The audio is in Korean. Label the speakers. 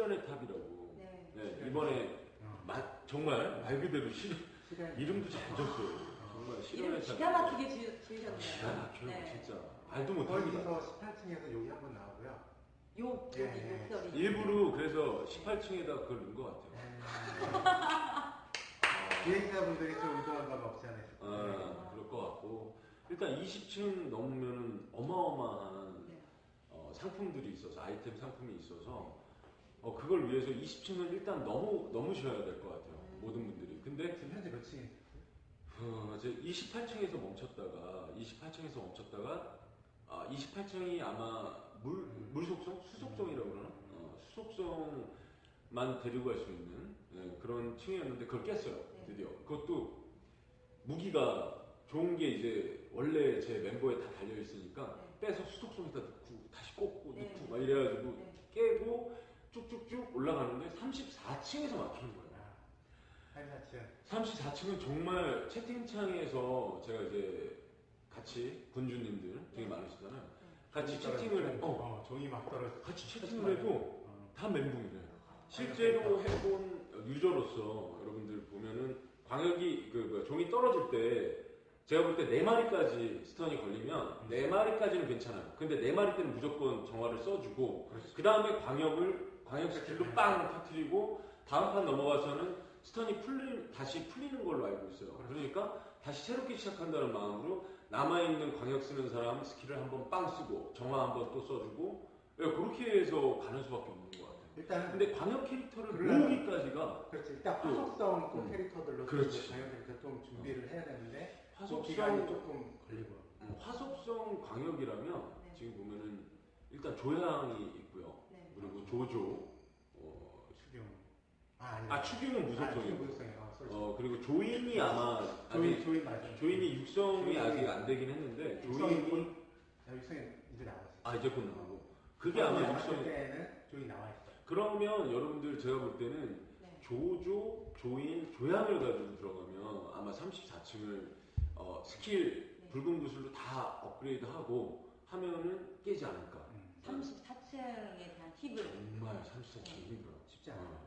Speaker 1: 실현의 탑이라고.
Speaker 2: 네.
Speaker 1: 네, 이번에 정말 말 그대로 이름도 잘 졌어요. 정말 실현의 탑.
Speaker 2: 기가 막히게 지으셨네요.
Speaker 1: 기가 막혀요,
Speaker 2: 네.
Speaker 1: 진짜. 말도 못합니다.
Speaker 3: 거기서 18층에서 여기 한번 나오고요.
Speaker 2: 여기 욕설이.
Speaker 1: 일부러 그래서 18층에다 그걸 넣은 것 같아요.
Speaker 3: 비행사분들이 좀 의도한 바가 없지 않아요.
Speaker 1: 그럴 것 같고. 일단 20층 넘으면 어마어마한 상품들이 있어서, 아이템 상품이 있어서, 그걸 위해서 20층은 일단 넘으셔야 될 것 같아요. 모든 분들이. 근데
Speaker 3: 지금 현재 몇 층이에요?
Speaker 1: 이제 28층에서 멈췄다가 28층이 아마 물속성? 수속성이라고 그러나? 수속성만 데리고 갈 수 있는 그런 층이었는데 그걸 깼어요. 드디어. 그것도 무기가 좋은 게 이제 원래 제 멤버에 다 달려있으니까 빼서 수속성에다 넣고 다시 꽂고 넣고 막 이래가지고 깨고 쭉쭉쭉 올라가는데 34층에서 막히는 거예요. 34층은 정말 채팅창에서 제가 이제 같이 군주님들 되게 많으시잖아요. 같이 채팅을
Speaker 3: 종이 막 떨어져.
Speaker 1: 같이 채팅을 해도 다 멘붕이래요. 실제로 해본 유저로서 여러분들 보면은 광역이 종이 떨어질 때 제가 볼 때 4마리까지 스턴이 걸리면 4마리까지는 괜찮아요. 근데 4마리 때는 무조건 정화를 써주고 그 다음에 광역 스킬로 빵 터뜨리고 다음 판 넘어가서는 스턴이 다시 풀리는 걸로 알고 있어요. 그러니까 다시 새롭게 시작한다는 마음으로 남아있는 광역 쓰는 사람 스킬을 한번 빵 쓰고 정화 한번 또 써주고 그렇게 해서 가는 수밖에 없는 것 같아요.
Speaker 3: 일단은
Speaker 1: 근데 광역 캐릭터를 모으기까지가
Speaker 3: 그렇지. 일단 화속성 캐릭터들로
Speaker 1: 그렇지.
Speaker 3: 광역 캐릭터 좀 준비를 해야 되는데
Speaker 1: 화속성
Speaker 3: 조금 걸리고.
Speaker 1: 화속성 광역이라면 지금 보면은 일단 조향이 있고요. 그리고 조조,
Speaker 3: 추경.
Speaker 1: 추경은 무속성이고.
Speaker 3: 무속성이에요.
Speaker 1: 그리고 조인이 아마
Speaker 3: 조인 맞아요.
Speaker 1: 조인이 육성이 아직 안 되긴 했는데
Speaker 3: 육성이 이제 나왔어요.
Speaker 1: 이제 곧 나오고 그게 아마 육성
Speaker 3: 때는 조인 나와 있어요.
Speaker 1: 그러면 여러분들 제가 볼 때는 조조, 조인, 조향을 가지고 들어가면 아마 34층을 스킬 붉은 구슬로 다 업그레이드하고 하면은 깨지 않을까.
Speaker 2: 34층에 대한 팁을
Speaker 1: 정말 34층이 힘들어.
Speaker 3: 쉽지 않아요.